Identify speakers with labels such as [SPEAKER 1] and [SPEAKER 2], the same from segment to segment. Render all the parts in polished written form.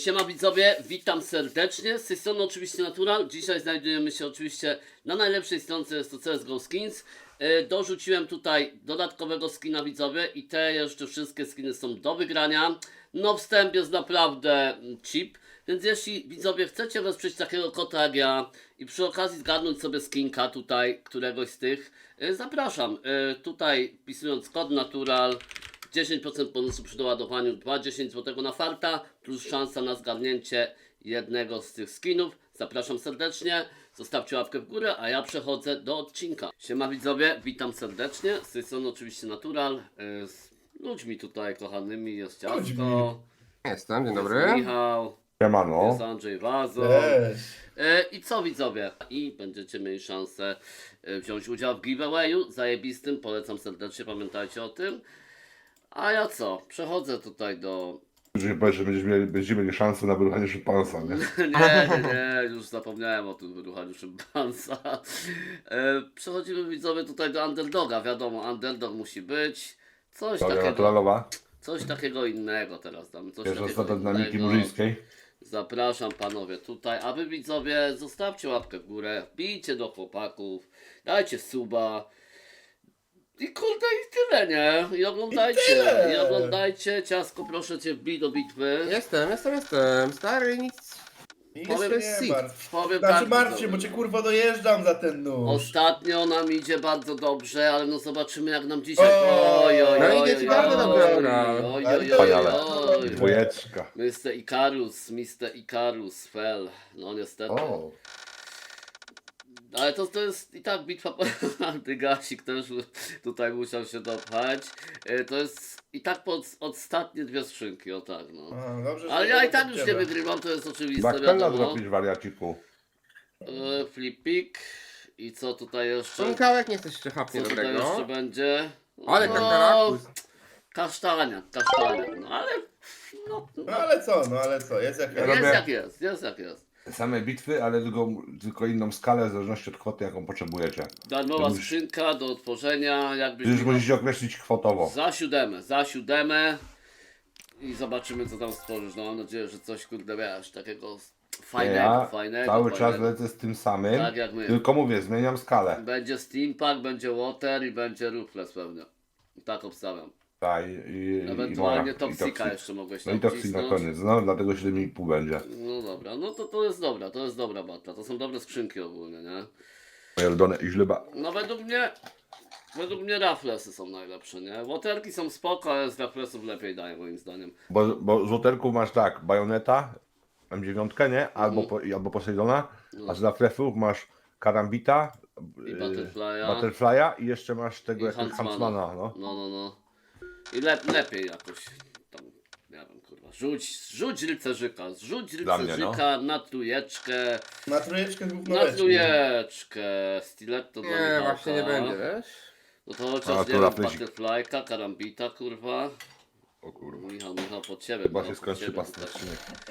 [SPEAKER 1] Siema widzowie, witam serdecznie, z tej strony oczywiście Natural. Dzisiaj znajdujemy się oczywiście na najlepszej stronce, jest to CSGO Skins. Dorzuciłem tutaj dodatkowego skina widzowie i te jeszcze wszystkie skiny są do wygrania. No wstęp jest naprawdę cheap, więc jeśli widzowie chcecie wesprzeć takiego kota jak ja i przy okazji zgarnąć sobie skinka tutaj, któregoś z tych, zapraszam. Tutaj wpisując kod Natural 10% bonusu przy doładowaniu, 2,10 zł na farta, plus szansa na zgarnięcie jednego z tych skinów. Zapraszam serdecznie, zostawcie łapkę w górę, a ja przechodzę do odcinka. Siema widzowie, witam serdecznie, z tej strony oczywiście Natural, z ludźmi tutaj kochanymi, jest Ciastko,
[SPEAKER 2] Jestem, dzień
[SPEAKER 1] jest
[SPEAKER 2] dobry.
[SPEAKER 1] Michał,
[SPEAKER 3] Siemano.
[SPEAKER 1] jest Andrzej Wazo.
[SPEAKER 4] Cześć.
[SPEAKER 1] I co widzowie? I będziecie mieli szansę wziąć udział w giveawayu zajebistym, polecam serdecznie, pamiętajcie o tym. A ja co? Przechodzę tutaj do...
[SPEAKER 3] Że powiesz, że będziemy mieli szansę na wyruchanie szympansa, nie?
[SPEAKER 1] nie, już zapomniałem o tym wyruchaniu szympansa. Przechodzimy widzowie tutaj do underdoga, wiadomo, underdog musi być. Coś
[SPEAKER 3] Dobra,
[SPEAKER 1] takiego,
[SPEAKER 3] naturalowa.
[SPEAKER 1] coś takiego innego teraz damy. Coś
[SPEAKER 3] Pierwsza
[SPEAKER 1] takiego
[SPEAKER 3] strata dynamiki
[SPEAKER 1] innego.
[SPEAKER 3] murzyńskiej.
[SPEAKER 1] Zapraszam panowie tutaj, a wy widzowie zostawcie łapkę w górę, wbijcie do chłopaków, dajcie suba i kurde i tyle, nie? I oglądajcie, i oglądajcie. Ciasko, proszę cię, wbij do bitwy.
[SPEAKER 2] Jestem. Stary, nic.
[SPEAKER 4] Nic
[SPEAKER 2] Powiem
[SPEAKER 4] się
[SPEAKER 2] sit.
[SPEAKER 4] nie martw.
[SPEAKER 1] Powiem
[SPEAKER 4] Znaczy
[SPEAKER 1] tak,
[SPEAKER 4] martw się,
[SPEAKER 1] widzowie.
[SPEAKER 4] bo cię kurwa dojeżdżam za ten nóż.
[SPEAKER 1] Ostatnio nam idzie bardzo dobrze, ale no zobaczymy jak nam dzisiaj.
[SPEAKER 2] No idzie ci bardzo dobrze, Natural.
[SPEAKER 3] Dwójeczka.
[SPEAKER 1] Mr. Icarus, fell. No niestety.
[SPEAKER 3] O.
[SPEAKER 1] Ale to jest i tak bitwa Antygasik też tutaj musiał się dopchać. To jest i tak po ostatnie dwie skrzynki, o tak no.
[SPEAKER 4] A, dobrze, że
[SPEAKER 1] Ale ja i tak już nie
[SPEAKER 4] ciebie.
[SPEAKER 1] wygrywam, to jest oczywiste,
[SPEAKER 3] Backpena
[SPEAKER 1] wiadomo.
[SPEAKER 3] zrobić wariaciku.
[SPEAKER 1] Flipik. I co tutaj jeszcze?
[SPEAKER 2] Członkałek nie chcesz jeszcze
[SPEAKER 1] Co
[SPEAKER 2] chapnie
[SPEAKER 1] tutaj jeszcze
[SPEAKER 2] dobrego.
[SPEAKER 1] będzie?
[SPEAKER 2] Ale
[SPEAKER 1] No,
[SPEAKER 2] kakarakus.
[SPEAKER 1] Kasztania, no ale no,
[SPEAKER 4] No ale co, jest jak
[SPEAKER 3] Ja
[SPEAKER 4] jest.
[SPEAKER 3] robię-
[SPEAKER 1] jest jak jest.
[SPEAKER 3] Same bitwy, ale tylko inną skalę w zależności od kwoty, jaką potrzebujecie.
[SPEAKER 1] Darmowa
[SPEAKER 3] Już-
[SPEAKER 1] skrzynka do otworzenia, jakbyś
[SPEAKER 3] Już musicie określić kwotowo.
[SPEAKER 1] za siódemę i zobaczymy co tam stworzysz. No mam nadzieję, że coś kurde wiesz, takiego fajnego,
[SPEAKER 3] Ja
[SPEAKER 1] fajnego.
[SPEAKER 3] cały czas
[SPEAKER 1] fajnego.
[SPEAKER 3] lecę z tym samym,
[SPEAKER 1] Tak jak my.
[SPEAKER 3] tylko mówię, zmieniam skalę.
[SPEAKER 1] Będzie Steampack, będzie Water i będzie Ruthless pewnie. Tak obstawiam.
[SPEAKER 3] Tak,
[SPEAKER 1] Ewentualnie
[SPEAKER 3] i
[SPEAKER 1] Toxika jeszcze mogłeś
[SPEAKER 3] No
[SPEAKER 1] tam
[SPEAKER 3] i Toxic na
[SPEAKER 1] wcisnąć.
[SPEAKER 3] koniec, no dlatego 7,5 będzie.
[SPEAKER 1] No dobra, no to jest dobra batla. To są dobre skrzynki ogólnie, nie?
[SPEAKER 3] Moje ulubione i źleba.
[SPEAKER 1] No według mnie Ruthlessy są najlepsze, nie? Waterki są spoko, ale z Ruthlessów lepiej dają moim zdaniem.
[SPEAKER 3] Bo z łoterków masz tak, Bajoneta, M9, nie? Albo Poseidona, a z Laflefów masz Karambita,
[SPEAKER 1] I Butterfly'a.
[SPEAKER 3] Butterfly'a i jeszcze masz tego
[SPEAKER 1] I
[SPEAKER 3] jakiegoś Huntsmana, no.
[SPEAKER 1] No. I lepiej jakoś tam, nie wiem kurwa, rzuć rycerzyka,
[SPEAKER 3] Dla mnie, no.
[SPEAKER 1] na trójeczkę,
[SPEAKER 4] Na trójeczkę gówno
[SPEAKER 1] na
[SPEAKER 4] leci.
[SPEAKER 1] trójeczkę, stiletto dla
[SPEAKER 2] Nie,
[SPEAKER 1] Michałka.
[SPEAKER 2] właśnie nie będzie, wiesz?
[SPEAKER 1] No to chociaż
[SPEAKER 3] A,
[SPEAKER 1] nie
[SPEAKER 3] to
[SPEAKER 1] wiem,
[SPEAKER 3] Raflesik.
[SPEAKER 1] Butterfly'ka, Karambita kurwa.
[SPEAKER 3] O kurwa.
[SPEAKER 1] Michał pod ciebie.
[SPEAKER 3] Chyba
[SPEAKER 1] Michał,
[SPEAKER 3] się
[SPEAKER 1] pod
[SPEAKER 3] skończy
[SPEAKER 1] ciebie
[SPEAKER 3] pasta
[SPEAKER 1] tutaj.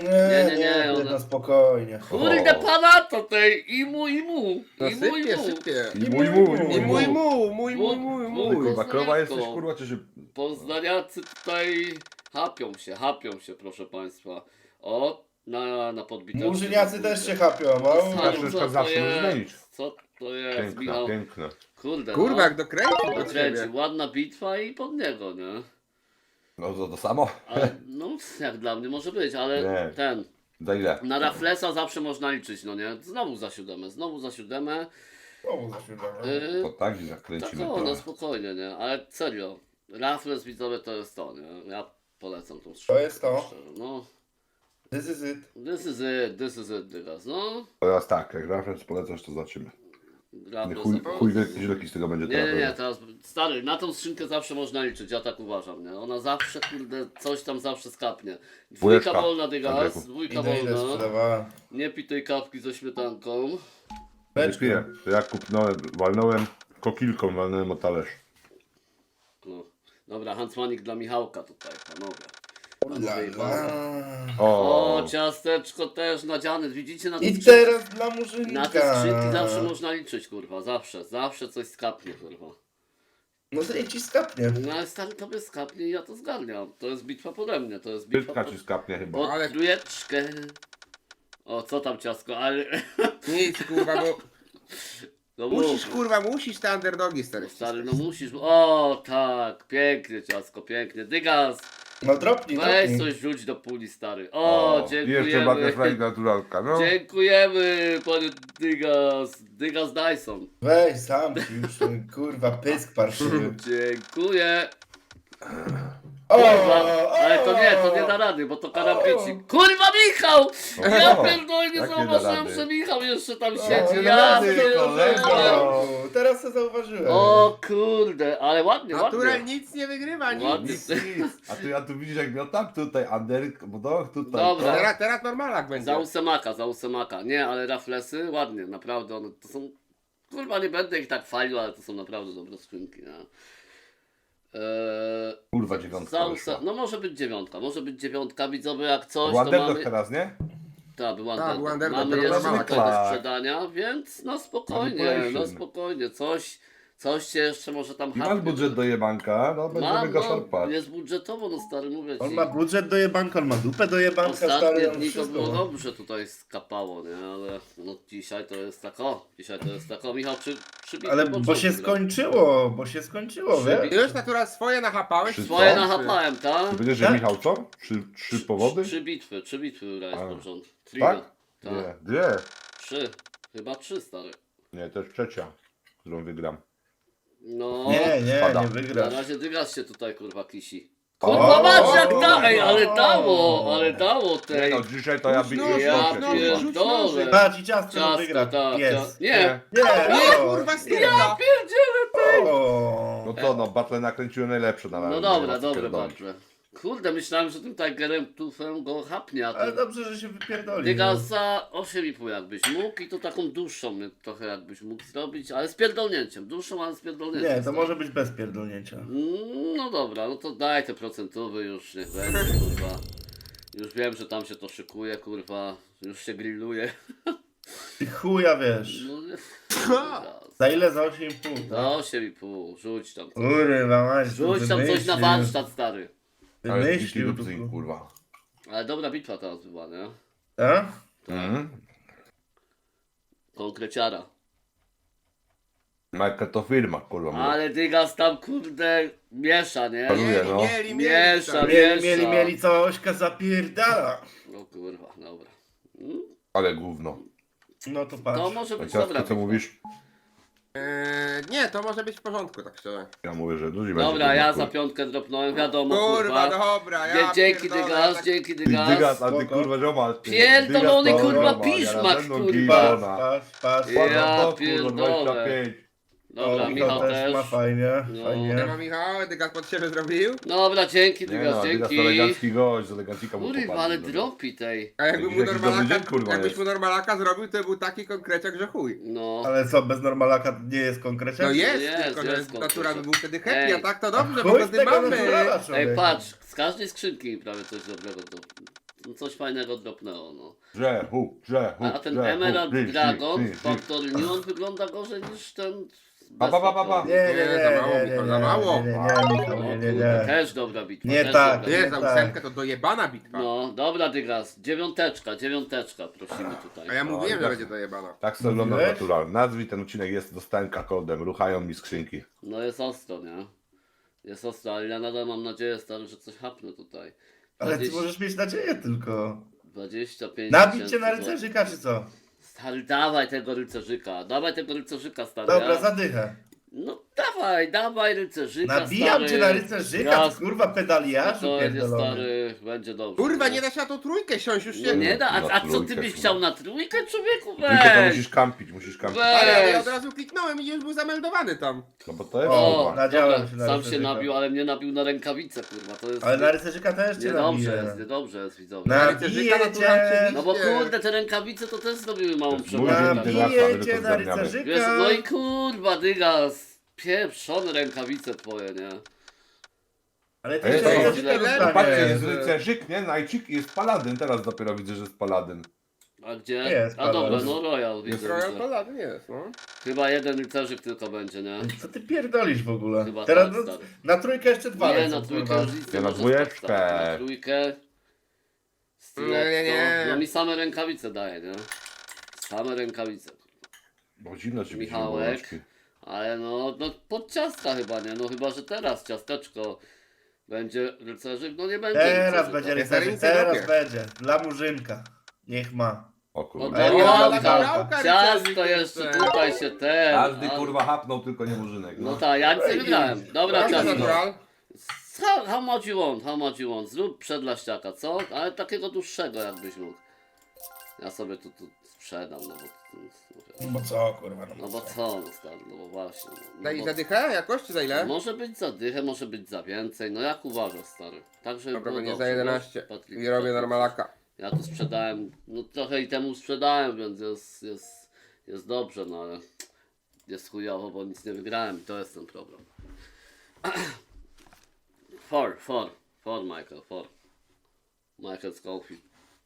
[SPEAKER 4] Nie,
[SPEAKER 1] ona-
[SPEAKER 4] no spokojnie.
[SPEAKER 1] Kurde
[SPEAKER 3] O.
[SPEAKER 1] pana to tej i mu.
[SPEAKER 2] No sypie.
[SPEAKER 3] I mój.
[SPEAKER 2] I mój.
[SPEAKER 3] Kurwa, krowa jesteś kurwa, czy
[SPEAKER 1] Poznaniacy tutaj chapią się proszę państwa. O, na podbitach.
[SPEAKER 4] Murzyniacy też się chapią,
[SPEAKER 3] Zawsze
[SPEAKER 1] Co
[SPEAKER 3] zawsze
[SPEAKER 1] to
[SPEAKER 3] możesz
[SPEAKER 1] jest?
[SPEAKER 3] zmienić.
[SPEAKER 1] Co to jest, Michał?
[SPEAKER 3] Piękne.
[SPEAKER 1] Kurde,
[SPEAKER 2] Kurwa,
[SPEAKER 1] no.
[SPEAKER 2] jak dokręcił do
[SPEAKER 1] Dokręci,
[SPEAKER 2] ciebie.
[SPEAKER 1] ładna bitwa i pod niego, nie?
[SPEAKER 3] No to samo.
[SPEAKER 1] Ale, no, jak dla mnie może być, ale
[SPEAKER 3] Nie.
[SPEAKER 1] ten...
[SPEAKER 3] Za ile?
[SPEAKER 1] Na Raflesa zawsze można liczyć, no nie? Znowu za siódemę.
[SPEAKER 4] O, za siódemę.
[SPEAKER 3] To tak
[SPEAKER 1] Tak
[SPEAKER 3] zakręcimy
[SPEAKER 1] o, no
[SPEAKER 3] to.
[SPEAKER 1] spokojnie, nie? Ale serio, Raffles widzowie to jest to, nie? Ja polecam tą
[SPEAKER 4] To
[SPEAKER 1] skrzynkę.
[SPEAKER 4] jest to.
[SPEAKER 1] szczerze, no.
[SPEAKER 4] This is it.
[SPEAKER 1] This is it, dygas, no.
[SPEAKER 3] Teraz tak, jak referenc polecasz, to zobaczymy.
[SPEAKER 1] Raffles
[SPEAKER 3] Chuj wielki z tego będzie
[SPEAKER 1] nie, teraz, stary, na tą skrzynkę zawsze można liczyć, ja tak uważam, nie? Ona zawsze, kurde, coś tam zawsze skapnie. Dwójka
[SPEAKER 3] Dwójeczka,
[SPEAKER 1] wolna, dygas,
[SPEAKER 3] Andrzejku.
[SPEAKER 1] dwójka
[SPEAKER 4] Ile
[SPEAKER 1] wolna.
[SPEAKER 4] sprzedawała.
[SPEAKER 1] Nie pij tej kawki ze śmietanką.
[SPEAKER 3] Nie
[SPEAKER 4] Beczkę.
[SPEAKER 3] piję. To ja walnąłem kokilką, walnąłem o talerz.
[SPEAKER 1] No. Dobra, Huntsmanik dla Michałka tutaj, panowie.
[SPEAKER 4] La,
[SPEAKER 1] Panowie i
[SPEAKER 4] la.
[SPEAKER 1] panowie.
[SPEAKER 3] O,
[SPEAKER 1] O, ciasteczko też nadziane, widzicie na te
[SPEAKER 4] I
[SPEAKER 1] skrzynki?
[SPEAKER 4] teraz dla Murzynka.
[SPEAKER 1] Na te skrzynki zawsze można liczyć, kurwa, zawsze coś skapnie, kurwa.
[SPEAKER 4] No to niech ci skapnie.
[SPEAKER 1] No ale stary tobie skapnie i ja to zgarniam. To jest bitwa pode mnie, to jest bitwa
[SPEAKER 3] Pytka ci skapnie chyba.
[SPEAKER 1] pod
[SPEAKER 5] Ale-
[SPEAKER 1] trójeczkę. O, co tam ciasko, ale...
[SPEAKER 5] Nic, kurwa, bo
[SPEAKER 1] No
[SPEAKER 5] musisz,
[SPEAKER 1] mów.
[SPEAKER 5] kurwa, musisz te underdogi, stary.
[SPEAKER 1] Stary, no musisz... O, tak, pięknie ciasko, pięknie. Dygas,
[SPEAKER 4] No dropnij,
[SPEAKER 1] weź
[SPEAKER 4] dropnij.
[SPEAKER 1] coś rzuć do puli, stary. O,
[SPEAKER 3] I jeszcze
[SPEAKER 1] dziękujemy.
[SPEAKER 3] Butterfly naturalka, no.
[SPEAKER 1] Dziękujemy, panie Dygas. Dygas Dyson.
[SPEAKER 4] Weź sam ci już, ten, kurwa, pysk parszywy.
[SPEAKER 1] Dziękuję.
[SPEAKER 4] O,
[SPEAKER 1] Kurwa, ale to nie da rady, bo to karambici. Kurwa, Michał! Ja
[SPEAKER 3] O,
[SPEAKER 1] pierdolę, nie
[SPEAKER 3] jak nie da
[SPEAKER 1] zauważyłem,
[SPEAKER 3] rady?
[SPEAKER 1] że Michał jeszcze tam
[SPEAKER 4] O,
[SPEAKER 1] siedzi.
[SPEAKER 4] nie
[SPEAKER 1] Ja
[SPEAKER 4] da rady,
[SPEAKER 1] pierdolę.
[SPEAKER 4] O, teraz to zauważyłem.
[SPEAKER 1] O kurde, ale ładnie,
[SPEAKER 5] Natural
[SPEAKER 1] ładnie.
[SPEAKER 5] nic nie wygrywa, nic.
[SPEAKER 1] Ładnie.
[SPEAKER 3] Nic, nic. A tu widzisz jak miotam tutaj, Ander, bo to tutaj.
[SPEAKER 1] Dobra.
[SPEAKER 5] Teraz normalak będzie.
[SPEAKER 1] Za ósemaka. Nie, ale raflesy ładnie, naprawdę one to są... Kurwa, nie będę ich tak chwalił, ale to są naprawdę dobre skrzynki, nie?
[SPEAKER 3] Kurwa, dziewiątka
[SPEAKER 1] Za
[SPEAKER 3] wyszła.
[SPEAKER 1] no może być dziewiątka, widzowie, jak coś, to
[SPEAKER 3] Ładerdog
[SPEAKER 1] mamy...
[SPEAKER 3] teraz, nie?
[SPEAKER 1] Tak, był
[SPEAKER 5] Tak,
[SPEAKER 1] Underdog.
[SPEAKER 5] był Underdog,
[SPEAKER 1] Mamy
[SPEAKER 5] teraz
[SPEAKER 1] jeszcze
[SPEAKER 5] mamy
[SPEAKER 1] tutaj do
[SPEAKER 3] klak.
[SPEAKER 1] sprzedania, więc no spokojnie,
[SPEAKER 3] Manipulation.
[SPEAKER 1] coś się jeszcze może tam
[SPEAKER 3] I masz
[SPEAKER 1] hapnie.
[SPEAKER 3] budżet do jebanka, no będziemy
[SPEAKER 1] Mam,
[SPEAKER 3] go
[SPEAKER 1] no,
[SPEAKER 3] szarpać.
[SPEAKER 1] jest budżetowo, no stary, mówię ci.
[SPEAKER 4] On ma budżet do jebanka, on ma dupę do jebanka,
[SPEAKER 1] Ostatnie
[SPEAKER 4] stary, on
[SPEAKER 1] dni to
[SPEAKER 4] wszystko
[SPEAKER 1] było
[SPEAKER 4] ma.
[SPEAKER 1] dobrze tutaj skapało, nie? Ale no dzisiaj to jest tak o. Michał, przybij
[SPEAKER 4] Ale bo się skończyło,
[SPEAKER 1] Przybi-
[SPEAKER 4] wiesz?
[SPEAKER 5] Już natural swoje nachapałeś?
[SPEAKER 3] Trzy
[SPEAKER 1] Swoje
[SPEAKER 3] co?
[SPEAKER 1] nachapałem, tak?
[SPEAKER 3] Ty będziesz, że
[SPEAKER 4] Tak?
[SPEAKER 3] Michał co? Trzy powody?
[SPEAKER 1] Trzy bitwy grałeś
[SPEAKER 3] A.
[SPEAKER 1] pod rząd. Trio.
[SPEAKER 3] Tak?
[SPEAKER 1] Tak.
[SPEAKER 3] Nie, dwie.
[SPEAKER 1] Trzy. Chyba trzy, stary.
[SPEAKER 3] Nie, to jest trzecia, którą wygram.
[SPEAKER 1] No.
[SPEAKER 4] Nie
[SPEAKER 3] Spada.
[SPEAKER 4] nie
[SPEAKER 1] Na
[SPEAKER 4] wygrasz.
[SPEAKER 1] razie Dygas się tutaj kurwa kisi.
[SPEAKER 3] O,
[SPEAKER 1] Kurwa patrz jak
[SPEAKER 4] o,
[SPEAKER 1] da, ej, ale
[SPEAKER 4] o.
[SPEAKER 1] dało
[SPEAKER 3] Nie
[SPEAKER 1] tej.
[SPEAKER 3] no, dzisiaj to ja
[SPEAKER 5] Rzuć
[SPEAKER 3] biję
[SPEAKER 5] noż,
[SPEAKER 1] Ja
[SPEAKER 3] ja
[SPEAKER 5] rzuć noż,
[SPEAKER 3] kurwa.
[SPEAKER 5] rzuć
[SPEAKER 1] pierdolę.
[SPEAKER 4] Patrz i ciastko
[SPEAKER 1] Ciasto,
[SPEAKER 4] wygra.
[SPEAKER 1] tak,
[SPEAKER 4] Jest.
[SPEAKER 1] Nie,
[SPEAKER 4] Nie,
[SPEAKER 5] Nie,
[SPEAKER 4] o.
[SPEAKER 5] kurwa,
[SPEAKER 1] ja
[SPEAKER 5] styrka.
[SPEAKER 1] pierdzielę.
[SPEAKER 4] O.
[SPEAKER 3] No to no, battle nakręciłem najlepsze na razie.
[SPEAKER 1] No dobra,
[SPEAKER 3] nie ma co
[SPEAKER 1] dobra,
[SPEAKER 3] pierdolić.
[SPEAKER 1] dobrze. Kurde, myślałem, że tym Tigerem tufem go chapnie, a
[SPEAKER 4] Ale
[SPEAKER 1] to...
[SPEAKER 4] dobrze, że się wypierdolił.
[SPEAKER 1] Dygas za 8,5 jakbyś mógł i to taką dłuższą trochę jakbyś mógł zrobić, ale z pierdolnięciem, dłuższą, ale z pierdolnięciem.
[SPEAKER 4] Nie, to może być bez pierdolnięcia.
[SPEAKER 1] No dobra, no to daj te procentowe już, niech będzie, kurwa. Już wiem, że tam się to szykuje, kurwa, już się grilluje.
[SPEAKER 4] Ty chuja wiesz.
[SPEAKER 1] No, nie.
[SPEAKER 4] Za ile? Za 8,5.
[SPEAKER 1] Za 8,5, rzuć tam coś.
[SPEAKER 4] Kurwa, mać.
[SPEAKER 1] Rzuć tam coś na warsztat, stary.
[SPEAKER 3] Ale
[SPEAKER 4] Wymyślił
[SPEAKER 3] dziki
[SPEAKER 4] tu.
[SPEAKER 3] kurwa.
[SPEAKER 1] Ale dobra bitwa teraz była, nie?
[SPEAKER 4] Tak?
[SPEAKER 3] Mhm.
[SPEAKER 1] Konkreciara.
[SPEAKER 3] Jaka to firma, kurwa. mówię.
[SPEAKER 1] Ale Dygas tam, kurde, miesza, nie?
[SPEAKER 3] Paluję, no.
[SPEAKER 5] Mieli,
[SPEAKER 1] Miesza,
[SPEAKER 5] stary.
[SPEAKER 4] Mieli, cała ośka zapierdala.
[SPEAKER 1] No kurwa, dobra.
[SPEAKER 3] Ale gówno.
[SPEAKER 4] No to
[SPEAKER 1] To
[SPEAKER 4] patrz.
[SPEAKER 1] może
[SPEAKER 3] A
[SPEAKER 1] być dobra
[SPEAKER 3] ciastko, co
[SPEAKER 1] bitwa.
[SPEAKER 3] mówisz?
[SPEAKER 5] Nie, to może być w porządku, tak szczerze.
[SPEAKER 3] Ja mówię, że duży będzie.
[SPEAKER 1] Dobra, ja
[SPEAKER 3] kurwa.
[SPEAKER 1] za piątkę dropnąłem, wiadomo,
[SPEAKER 5] Kurwa,
[SPEAKER 1] kurwa.
[SPEAKER 5] dobra, ja
[SPEAKER 1] Dzięki
[SPEAKER 5] pierdolę,
[SPEAKER 1] Dygas,
[SPEAKER 5] tak-
[SPEAKER 1] dzięki
[SPEAKER 3] Ty
[SPEAKER 1] Dygas.
[SPEAKER 3] Dygas, a ty
[SPEAKER 4] Spoko.
[SPEAKER 3] kurwa ziomal. ty.
[SPEAKER 1] Pierdolony,
[SPEAKER 3] Dygas to
[SPEAKER 1] kurwa,
[SPEAKER 3] ziomal,
[SPEAKER 1] piszmak,
[SPEAKER 3] ja na pewno
[SPEAKER 1] kurwa.
[SPEAKER 3] gilona.
[SPEAKER 4] Patrz.
[SPEAKER 1] Ja
[SPEAKER 3] Patrz,
[SPEAKER 1] pierdolę.
[SPEAKER 3] 25.
[SPEAKER 1] Dobra,
[SPEAKER 4] O,
[SPEAKER 1] Michał też.
[SPEAKER 4] ma fajnie,
[SPEAKER 1] No.
[SPEAKER 4] fajnie.
[SPEAKER 5] Siema, Michał, Dygas pod siebie zrobił.
[SPEAKER 1] Dobra, dzięki
[SPEAKER 3] Nie
[SPEAKER 1] Dygas,
[SPEAKER 3] no, Dygas to
[SPEAKER 1] dzięki.
[SPEAKER 3] elegancki gość, z elegancika mu
[SPEAKER 1] Kurwa,
[SPEAKER 3] popadł,
[SPEAKER 1] ale
[SPEAKER 3] no.
[SPEAKER 1] dropi tej.
[SPEAKER 5] A jakby
[SPEAKER 3] Jakiś
[SPEAKER 5] mu
[SPEAKER 3] dobry
[SPEAKER 5] normalaka,
[SPEAKER 3] dzień, kurwa,
[SPEAKER 5] jakbyś
[SPEAKER 3] jest.
[SPEAKER 5] mu normalaka zrobił, to był taki konkreciak, że chuj.
[SPEAKER 1] No.
[SPEAKER 4] Ale co, bez normalaka nie jest konkrecie?
[SPEAKER 5] No jest,
[SPEAKER 1] jest,
[SPEAKER 5] tylko
[SPEAKER 1] jest
[SPEAKER 5] że natura by
[SPEAKER 1] konkreciak.
[SPEAKER 5] był wtedy happy,
[SPEAKER 1] Ej.
[SPEAKER 5] a tak to dobrze, bo
[SPEAKER 4] Chuj z
[SPEAKER 5] wtedy
[SPEAKER 4] tego
[SPEAKER 5] mamy.
[SPEAKER 4] naturala,
[SPEAKER 1] Ej,
[SPEAKER 4] człowieku.
[SPEAKER 1] patrz, z każdej skrzynki prawie coś dobrego no, coś fajnego dropnęło, no.
[SPEAKER 3] Grzechu.
[SPEAKER 1] A ten Emerald Dragon w Factory New, on wygląda gorzej niż ten...
[SPEAKER 3] Pa, pa, pa, pa, pa.
[SPEAKER 4] Nie,
[SPEAKER 5] za mało, Michał, za mało.
[SPEAKER 4] nie.
[SPEAKER 1] Też dobra bitwa.
[SPEAKER 4] Nie
[SPEAKER 1] też
[SPEAKER 4] tak,
[SPEAKER 1] dobra
[SPEAKER 5] Nie,
[SPEAKER 4] nie
[SPEAKER 5] za
[SPEAKER 4] tak.
[SPEAKER 5] ósemkę to dojebana bitwa.
[SPEAKER 1] No, dobra Dygas, dziewiąteczka prosimy tutaj.
[SPEAKER 5] A ja mówiłem, że
[SPEAKER 3] tak.
[SPEAKER 5] będzie dojebana.
[SPEAKER 3] Tak sobie oglądam
[SPEAKER 4] Mówiłeś?
[SPEAKER 3] natural. Nazwij ten odcinek, jest dostałem kodem, ruchają mi skrzynki.
[SPEAKER 1] No jest ostro, nie? Jest ostro, ale ja nadal mam nadzieję, stary, że coś hapnę tutaj.
[SPEAKER 4] Ale ty
[SPEAKER 1] 20
[SPEAKER 4] możesz mieć nadzieję tylko.
[SPEAKER 1] 25
[SPEAKER 4] Nabić cię
[SPEAKER 1] tysięcy
[SPEAKER 4] na
[SPEAKER 1] złotych.
[SPEAKER 4] rycerzyka, czy co?
[SPEAKER 1] Stary, dawaj tego rycerzyka, stary.
[SPEAKER 4] Dobra,
[SPEAKER 1] ja...
[SPEAKER 4] zadychę.
[SPEAKER 1] No dawaj rycerzyka,
[SPEAKER 4] Nabijam
[SPEAKER 1] stary.
[SPEAKER 4] cię na rycerzyka,
[SPEAKER 1] Raz.
[SPEAKER 4] ty kurwa pedaliarzu
[SPEAKER 1] Spokojnie,
[SPEAKER 4] pierdolony.
[SPEAKER 1] stary, będzie dobrze.
[SPEAKER 5] Kurwa,
[SPEAKER 1] nie?
[SPEAKER 5] nie da się na tą trójkę siąść, już
[SPEAKER 1] No
[SPEAKER 5] się...
[SPEAKER 1] nie da,
[SPEAKER 3] Na
[SPEAKER 1] a co ty
[SPEAKER 3] trójkę,
[SPEAKER 1] byś
[SPEAKER 3] kurwa.
[SPEAKER 1] chciał na trójkę, człowieku?
[SPEAKER 3] Tylko to
[SPEAKER 1] Weź!
[SPEAKER 3] musisz kampić, musisz kampić.
[SPEAKER 1] Weź!
[SPEAKER 5] Ale ja od razu kliknąłem i już był zameldowany tam.
[SPEAKER 3] No bo to jest
[SPEAKER 4] O,
[SPEAKER 3] kurwa.
[SPEAKER 4] nadziałem
[SPEAKER 1] dobra,
[SPEAKER 4] się na
[SPEAKER 1] sam się
[SPEAKER 4] rycerzyka.
[SPEAKER 1] nabił, ale mnie nabił na rękawicę, kurwa, to jest...
[SPEAKER 4] Ale na rycerzyka też cię nabiję.
[SPEAKER 1] niedobrze jest, widzowie.
[SPEAKER 4] Na-
[SPEAKER 5] Rycerzyka
[SPEAKER 4] Nabiję
[SPEAKER 5] naturalnie
[SPEAKER 4] cię.
[SPEAKER 1] No bo
[SPEAKER 5] widzicie.
[SPEAKER 1] kurde, te rękawice to też zrobiły małą
[SPEAKER 3] Mój
[SPEAKER 1] przewagę.
[SPEAKER 3] dzień
[SPEAKER 1] tak.
[SPEAKER 3] Dygasa,
[SPEAKER 4] Nabiję
[SPEAKER 3] my to
[SPEAKER 4] cię na
[SPEAKER 3] zgarniamy.
[SPEAKER 1] Wiesz,
[SPEAKER 4] rycerzyka.
[SPEAKER 1] no i kurwa, Dygas, pieprzone rękawice twoje, nie?
[SPEAKER 4] Ale ty
[SPEAKER 3] Ej,
[SPEAKER 4] się
[SPEAKER 3] to
[SPEAKER 4] rycerzyka
[SPEAKER 5] jest-
[SPEAKER 3] No patrzcie,
[SPEAKER 4] dostaniesz.
[SPEAKER 3] jest rycerzyk, nie? Najcik i jest paladyn. Teraz dopiero widzę, że jest paladyn.
[SPEAKER 1] A gdzie?
[SPEAKER 4] Jest,
[SPEAKER 1] A dobra,
[SPEAKER 4] Paweł.
[SPEAKER 1] no Royal
[SPEAKER 3] Jest
[SPEAKER 1] widzę.
[SPEAKER 5] Royal
[SPEAKER 1] że-
[SPEAKER 5] Paladin jest, no.
[SPEAKER 1] Chyba jeden rycerzyk tylko będzie, nie?
[SPEAKER 4] Co ty pierdolisz w ogóle?
[SPEAKER 1] Chyba
[SPEAKER 4] Teraz
[SPEAKER 1] tak,
[SPEAKER 4] no,
[SPEAKER 1] stary.
[SPEAKER 4] na trójkę jeszcze dwa
[SPEAKER 1] Nie,
[SPEAKER 4] lecą,
[SPEAKER 1] na trójkę
[SPEAKER 4] kurwa.
[SPEAKER 1] już nic nie
[SPEAKER 3] Ja na
[SPEAKER 1] może
[SPEAKER 3] dwójeczkę.
[SPEAKER 1] stać. Na trójkę. Stiletto.
[SPEAKER 5] Nie.
[SPEAKER 1] No mi same rękawice daje, nie? Same rękawice.
[SPEAKER 3] Bo zimno ci
[SPEAKER 1] Michałek.
[SPEAKER 3] Michałek.
[SPEAKER 1] Ale no pod ciastka chyba, nie? No chyba, że teraz ciasteczko będzie rycerzyk, no nie będzie
[SPEAKER 4] Teraz
[SPEAKER 1] rycerzyk,
[SPEAKER 4] będzie
[SPEAKER 1] tak?
[SPEAKER 4] rycerzyk,
[SPEAKER 5] Jest
[SPEAKER 4] teraz
[SPEAKER 5] ręce
[SPEAKER 4] będzie. Dla murzynka. Niech ma.
[SPEAKER 3] O
[SPEAKER 1] O,
[SPEAKER 3] kurwa.
[SPEAKER 4] Ej,
[SPEAKER 1] Dorianka,
[SPEAKER 5] Dorianka,
[SPEAKER 1] ciasto
[SPEAKER 5] rycerzyk
[SPEAKER 1] jeszcze
[SPEAKER 5] jeszcze.
[SPEAKER 1] tutaj się ten.
[SPEAKER 3] Każdy
[SPEAKER 1] a-
[SPEAKER 3] kurwa hapnął, tylko nie murzynek.
[SPEAKER 1] No tak, ja nic nie wygrałem. Dobra,
[SPEAKER 5] Proszę,
[SPEAKER 1] ciasto.
[SPEAKER 5] natural.
[SPEAKER 1] How much you want, how much you want? Zrób przedlaściaka, co? Ale takiego dłuższego jakbyś mógł. Ja sobie tu sprzedam, no bo...
[SPEAKER 4] No bo co, kurwa,
[SPEAKER 1] No bo co, no stary, no bo właśnie. No
[SPEAKER 5] Daj
[SPEAKER 1] bo,
[SPEAKER 5] za dychę? Jakoś czy za ile?
[SPEAKER 1] może być za dychę, może być za więcej, no jak uważasz, stary? Także
[SPEAKER 5] Dobra,
[SPEAKER 1] było
[SPEAKER 5] będzie
[SPEAKER 1] dobrze,
[SPEAKER 5] za 11.
[SPEAKER 1] wiesz, Patryk,
[SPEAKER 5] I robię
[SPEAKER 1] Patryk.
[SPEAKER 5] normalaka.
[SPEAKER 1] Ja tu sprzedałem, no trochę i temu sprzedałem, więc jest dobrze, no ale jest chujowo, bo nic nie wygrałem i to jest ten problem. Four, Michael, four. Michael Scofield.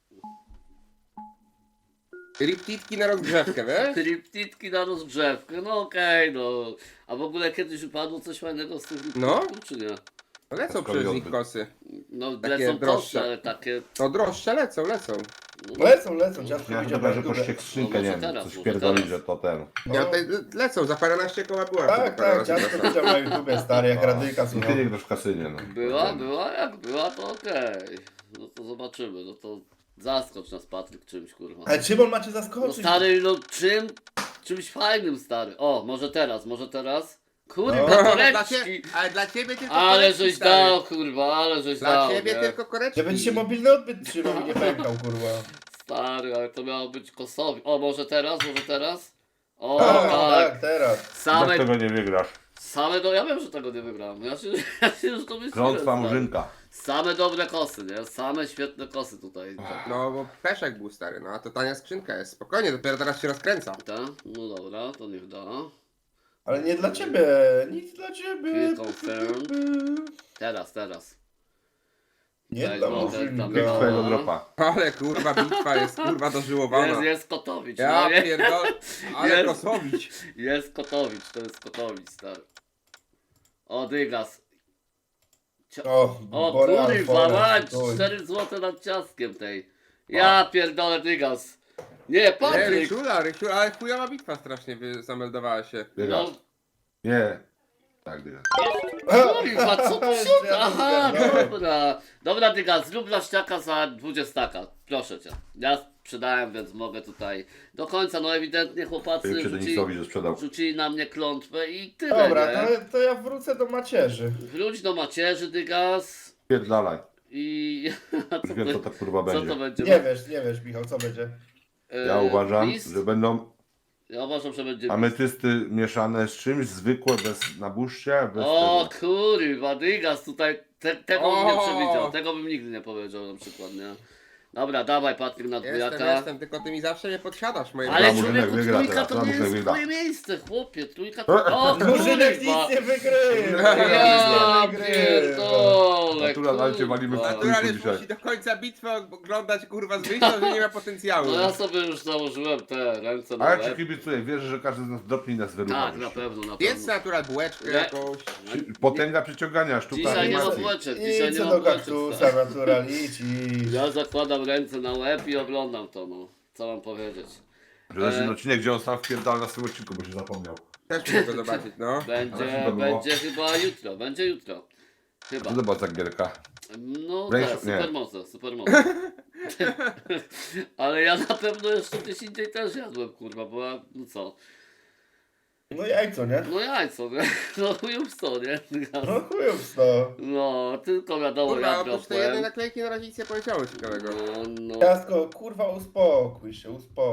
[SPEAKER 5] Riptitki na rozgrzewkę, wiesz?
[SPEAKER 1] Triptitki na rozgrzewkę, no okej, no. A w ogóle kiedyś upadło coś fajnego z tych
[SPEAKER 5] No.
[SPEAKER 1] riptitków, czy nie?
[SPEAKER 5] No lecą przez nich kosy.
[SPEAKER 1] No
[SPEAKER 5] Takie
[SPEAKER 1] lecą
[SPEAKER 5] droższe.
[SPEAKER 1] kosy, ale takie...
[SPEAKER 5] No droższe lecą.
[SPEAKER 1] No,
[SPEAKER 4] Lecą, ciastko
[SPEAKER 3] Ja
[SPEAKER 4] widział
[SPEAKER 3] chyba,
[SPEAKER 4] na
[SPEAKER 3] że
[SPEAKER 4] YouTube.
[SPEAKER 3] poszcie skrzynkę,
[SPEAKER 1] No
[SPEAKER 3] nie
[SPEAKER 1] może
[SPEAKER 3] wiem,
[SPEAKER 1] teraz,
[SPEAKER 3] coś
[SPEAKER 1] może
[SPEAKER 3] pierdoli,
[SPEAKER 1] teraz.
[SPEAKER 3] że to ten.
[SPEAKER 5] Ja
[SPEAKER 4] No.
[SPEAKER 5] tutaj lecą, za paręnaście koła była.
[SPEAKER 4] Tak, tak, ciastko widział na YouTubie, stary, jak radyjka
[SPEAKER 3] I ty
[SPEAKER 4] słuchał.
[SPEAKER 3] nie grasz w kasynie, no.
[SPEAKER 1] była, jak była, to okej. No to zobaczymy, no to zaskocz nas Patryk czymś, kurwa.
[SPEAKER 4] Ale czym on macie
[SPEAKER 1] No
[SPEAKER 4] zaskoczyć?
[SPEAKER 1] stary, no czymś fajnym, stary. O, może teraz. Kurwa,
[SPEAKER 4] No.
[SPEAKER 5] Dla
[SPEAKER 1] koreczki.
[SPEAKER 5] ale dla ciebie tylko
[SPEAKER 1] Ale
[SPEAKER 5] koreczki,
[SPEAKER 1] żeś
[SPEAKER 5] stary.
[SPEAKER 1] dał, kurwa, ale żeś
[SPEAKER 5] Dla
[SPEAKER 1] dał.
[SPEAKER 5] ciebie
[SPEAKER 1] nie?
[SPEAKER 5] tylko koreczki.
[SPEAKER 4] Żeby ci się mobilny odbyt trzymał i nie pękał, kurwa.
[SPEAKER 1] Stary, ale to miało być kosowi. O, może teraz? O,
[SPEAKER 4] Tak,
[SPEAKER 1] tak.
[SPEAKER 4] tak, teraz.
[SPEAKER 3] Jak tego nie wygrasz?
[SPEAKER 1] Ja wiem, że tego nie wygrałem. Ja się że to myślałem.
[SPEAKER 3] Klątwa
[SPEAKER 1] stary.
[SPEAKER 3] murzynka.
[SPEAKER 1] Same dobre kosy, nie? Same świetne kosy tutaj.
[SPEAKER 5] No bo peszek był stary, no a to tania skrzynka jest. Spokojnie, dopiero teraz się rozkręca.
[SPEAKER 1] Ta? No dobra, to niech da.
[SPEAKER 4] Ale nie dla ciebie, nic dla ciebie.
[SPEAKER 1] Clear confirm. Teraz.
[SPEAKER 4] Nie
[SPEAKER 1] Daj
[SPEAKER 4] dla
[SPEAKER 1] złote,
[SPEAKER 4] murzynka.
[SPEAKER 1] tam
[SPEAKER 3] Jak twojego
[SPEAKER 1] No.
[SPEAKER 3] dropa.
[SPEAKER 5] Ale kurwa, bitwa jest kurwa dożyłowana.
[SPEAKER 1] Jest Kotowicz,
[SPEAKER 5] Ja
[SPEAKER 1] no nie?
[SPEAKER 5] pierdolę, ale
[SPEAKER 1] Jest.
[SPEAKER 5] Kosowicz.
[SPEAKER 1] Jest Kotowicz, to jest Kotowicz, stary. O, Dygas.
[SPEAKER 4] O,
[SPEAKER 1] O
[SPEAKER 4] Boreal
[SPEAKER 1] kurwa,
[SPEAKER 4] Forest,
[SPEAKER 1] mać,
[SPEAKER 4] oj.
[SPEAKER 1] 4 zł nad ciastkiem tej. Ja pierdolę Dygas. Nie,
[SPEAKER 5] Nie,
[SPEAKER 1] Patryk.
[SPEAKER 5] Rysiula, ale chujowa bitwa strasznie zameldowała się.
[SPEAKER 3] Dygas.
[SPEAKER 1] No,
[SPEAKER 3] Nie. Tak, dygas.
[SPEAKER 1] kurwa, co tu się... Aha, dobra. Dobra, Dygas, zrób laściaka za 20. Proszę cię. Ja sprzedałem, więc mogę tutaj do końca. No ewidentnie chłopacy
[SPEAKER 3] Ty przy Denisowi, że sprzedał.
[SPEAKER 1] rzucili na mnie klątwę i tyle,
[SPEAKER 4] Dobra,
[SPEAKER 1] nie?
[SPEAKER 4] to ja wrócę do macierzy.
[SPEAKER 1] Wróć do macierzy, Dygas.
[SPEAKER 3] Pierdalaj.
[SPEAKER 1] I... A
[SPEAKER 3] Już wiem, co to kurwa
[SPEAKER 1] co to
[SPEAKER 3] będzie.
[SPEAKER 1] będzie?
[SPEAKER 4] Nie wiesz, Michał, co będzie?
[SPEAKER 3] Ja uważam,
[SPEAKER 1] list?
[SPEAKER 3] że będą
[SPEAKER 1] Ja uważam, że będzie list.
[SPEAKER 3] ametysty mieszane z czymś, zwykłe, bez nabuszcia, bez
[SPEAKER 1] O
[SPEAKER 3] tego.
[SPEAKER 1] kurwa, Dygas tutaj, tego bym nie
[SPEAKER 5] O!
[SPEAKER 1] przewidział, tego bym nigdy nie powiedział na przykład, nie? Dobra, dawaj Patryk na dwójaka.
[SPEAKER 5] Jestem, tylko ty mi zawsze nie podsiadasz moje
[SPEAKER 1] Ale
[SPEAKER 3] Murzynek
[SPEAKER 1] człowieku,
[SPEAKER 3] wygra
[SPEAKER 1] trójka
[SPEAKER 3] teraz,
[SPEAKER 1] to nie
[SPEAKER 3] Murzynek
[SPEAKER 1] jest
[SPEAKER 3] wygra.
[SPEAKER 1] twoje miejsce, chłopie, trójka to... O
[SPEAKER 4] Murzynek
[SPEAKER 1] kurwa!
[SPEAKER 4] nic nie wygrywa.
[SPEAKER 1] Ja
[SPEAKER 4] Nic nie wygrywa.
[SPEAKER 1] pierdolę,
[SPEAKER 3] Natural, ale cię walimy w
[SPEAKER 1] kurwa.
[SPEAKER 3] tył.
[SPEAKER 5] Naturalnie
[SPEAKER 3] dzisiaj.
[SPEAKER 5] musi do końca bitwy oglądać kurwa z wyjścia, że nie ma potencjału.
[SPEAKER 1] No ja sobie już założyłem te ręce na
[SPEAKER 3] A ja ci
[SPEAKER 1] łeb.
[SPEAKER 3] kibicuję, wierzę, że każdy z nas dropnie i nas wyrucha.
[SPEAKER 1] Tak, na pewno, na
[SPEAKER 5] Jedz
[SPEAKER 1] pewno.
[SPEAKER 5] natural bułeczkę
[SPEAKER 1] Nie.
[SPEAKER 5] jakąś.
[SPEAKER 3] Potęga przyciągania, sztuka
[SPEAKER 1] Dzisiaj nie ma
[SPEAKER 3] animacji.
[SPEAKER 1] bułeczek, dzisiaj
[SPEAKER 4] Idź
[SPEAKER 1] nie
[SPEAKER 4] co
[SPEAKER 1] ma
[SPEAKER 4] do
[SPEAKER 1] bułeczek.
[SPEAKER 4] kaktusa,
[SPEAKER 1] stary.
[SPEAKER 4] natural, idź.
[SPEAKER 1] Ja zakładam ręce na łeb i oglądam to, no. Co mam powiedzieć?
[SPEAKER 3] Że to jest ten odcinek, gdzie on sam wpierdala na swoim odcinku, bo się zapomniał.
[SPEAKER 5] Też muszę go zobaczyć, no.
[SPEAKER 3] Ale
[SPEAKER 1] Będzie
[SPEAKER 3] chyba było.
[SPEAKER 1] chyba jutro, będzie jutro. Chyba.
[SPEAKER 3] Co to była za gierka?
[SPEAKER 1] No
[SPEAKER 3] Wręcz-
[SPEAKER 1] tak,
[SPEAKER 3] nie.
[SPEAKER 1] supermoce. Ale ja na pewno jeszcze gdzieś indziej też jadłem, kurwa, bo ja, no co?
[SPEAKER 4] No jajco, nie?
[SPEAKER 1] No jajco, nie? No już co, nie?
[SPEAKER 4] No chujów to.
[SPEAKER 1] No, tylko wiadomo
[SPEAKER 5] Kurwa,
[SPEAKER 1] jak
[SPEAKER 5] oprócz tej jednej
[SPEAKER 1] dropłem.
[SPEAKER 5] naklejki na razie nic nie powiedziało ciekawego.
[SPEAKER 1] No,
[SPEAKER 4] Ciastko, kurwa, uspokój się.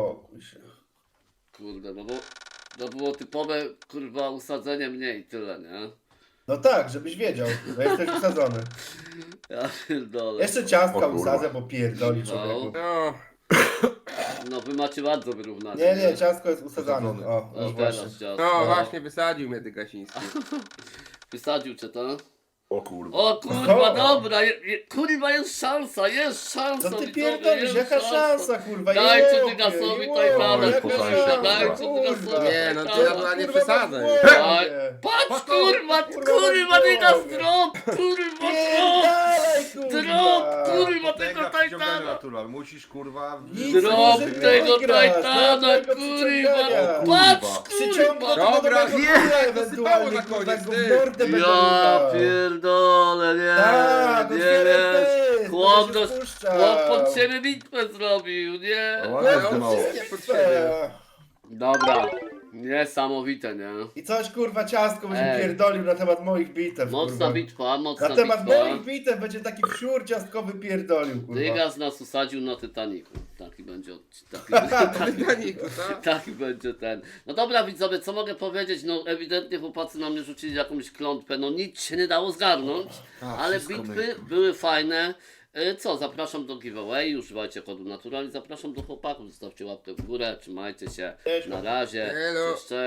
[SPEAKER 1] kurde, no bo to było typowe, kurwa, usadzenie mnie i tyle, nie?
[SPEAKER 4] No tak, żebyś wiedział, że jesteś usadzony.
[SPEAKER 1] Ja pierdolę.
[SPEAKER 4] Jeszcze ciastka
[SPEAKER 3] O kurwa.
[SPEAKER 4] usadzę, bo pierdoli
[SPEAKER 1] No.
[SPEAKER 4] człowieku.
[SPEAKER 5] No,
[SPEAKER 1] No wy macie bardzo wyrównane.
[SPEAKER 4] Nie, ciastko jest usadzane.
[SPEAKER 3] Usadzone.
[SPEAKER 4] O,
[SPEAKER 1] O,
[SPEAKER 4] już
[SPEAKER 1] teraz
[SPEAKER 4] właśnie.
[SPEAKER 1] ciasto.
[SPEAKER 5] no właśnie wysadził mnie ty Gasiński.
[SPEAKER 1] Wysadził cię to?
[SPEAKER 3] O kurwa.
[SPEAKER 1] O kurwa,
[SPEAKER 4] Oho.
[SPEAKER 1] dobra, kurwa jest szansa,
[SPEAKER 4] Co ty
[SPEAKER 1] widzowie,
[SPEAKER 4] pierdolisz?
[SPEAKER 1] jest
[SPEAKER 4] Jaka szansa, kurwa?
[SPEAKER 1] Dajcie
[SPEAKER 4] Jopie,
[SPEAKER 1] Dygasowi
[SPEAKER 4] jopie,
[SPEAKER 1] Tajtana,
[SPEAKER 4] jaka
[SPEAKER 3] kurwa,
[SPEAKER 4] szansa,
[SPEAKER 3] dajcie
[SPEAKER 1] Dygasowi
[SPEAKER 4] kurwa.
[SPEAKER 5] Nie, no to
[SPEAKER 1] Tajtana.
[SPEAKER 5] była nie
[SPEAKER 4] Kurwa,
[SPEAKER 5] przesada.
[SPEAKER 4] masz w głowie.
[SPEAKER 1] Daj. Patrz kurwa, kurwa, Dygas drop, kurwa
[SPEAKER 4] Pierdalaj,
[SPEAKER 1] drop,
[SPEAKER 4] kurwa.
[SPEAKER 1] kurwa tego Tajtana.
[SPEAKER 3] natural. Musisz kurwa...
[SPEAKER 4] Nic
[SPEAKER 1] Drop
[SPEAKER 4] może
[SPEAKER 1] tego
[SPEAKER 4] wygrać,
[SPEAKER 1] Tajtana,
[SPEAKER 4] żadnego
[SPEAKER 1] kurwa,
[SPEAKER 4] przyciągania.
[SPEAKER 1] patrz
[SPEAKER 4] Przyciąga
[SPEAKER 1] kurwa.
[SPEAKER 4] do
[SPEAKER 5] Dobra,
[SPEAKER 4] nowego
[SPEAKER 5] nie,
[SPEAKER 4] chuja
[SPEAKER 5] to sypało
[SPEAKER 4] ewentualnie,
[SPEAKER 5] na
[SPEAKER 4] kurwa,
[SPEAKER 5] koniec,
[SPEAKER 4] go w
[SPEAKER 5] ty.
[SPEAKER 4] mordę będę
[SPEAKER 1] Ja
[SPEAKER 4] rukał.
[SPEAKER 1] pierdolę, nie,
[SPEAKER 4] Tak,
[SPEAKER 1] nie
[SPEAKER 4] otwieraj
[SPEAKER 1] wiesz.
[SPEAKER 4] pysk,
[SPEAKER 1] Chłop,
[SPEAKER 4] będę się
[SPEAKER 1] chłop
[SPEAKER 4] spuszczał.
[SPEAKER 1] pod siebie bitwę zrobił, nie?
[SPEAKER 3] Ładnie
[SPEAKER 5] Ale on
[SPEAKER 3] zdymało.
[SPEAKER 5] wszystkie pod siebie.
[SPEAKER 1] Dobra, niesamowite, nie?
[SPEAKER 4] I coś kurwa ciastko będzie
[SPEAKER 1] Ej.
[SPEAKER 4] pierdolił na temat moich bitew,
[SPEAKER 1] Mocna
[SPEAKER 4] kurwa.
[SPEAKER 1] bitwa, mocna
[SPEAKER 4] Na temat
[SPEAKER 1] bitwa.
[SPEAKER 4] moich bitew będzie taki wsiur ciastkowy pierdolił, kurwa.
[SPEAKER 1] Dygas nas usadził na Titanicu. Taki będzie
[SPEAKER 5] Titanicu, co?
[SPEAKER 1] taki będzie ten. No dobra widzowie, co mogę powiedzieć? No ewidentnie chłopacy na mnie rzucili jakąś klątwę, no nic się nie dało zgarnąć, ale bitwy były fajne. Co, zapraszam do giveaway, używajcie kodu Natural i zapraszam do chłopaków, zostawcie łapkę w górę, trzymajcie się,
[SPEAKER 4] Cześć,
[SPEAKER 1] na razie,
[SPEAKER 5] Elo.
[SPEAKER 1] cześć.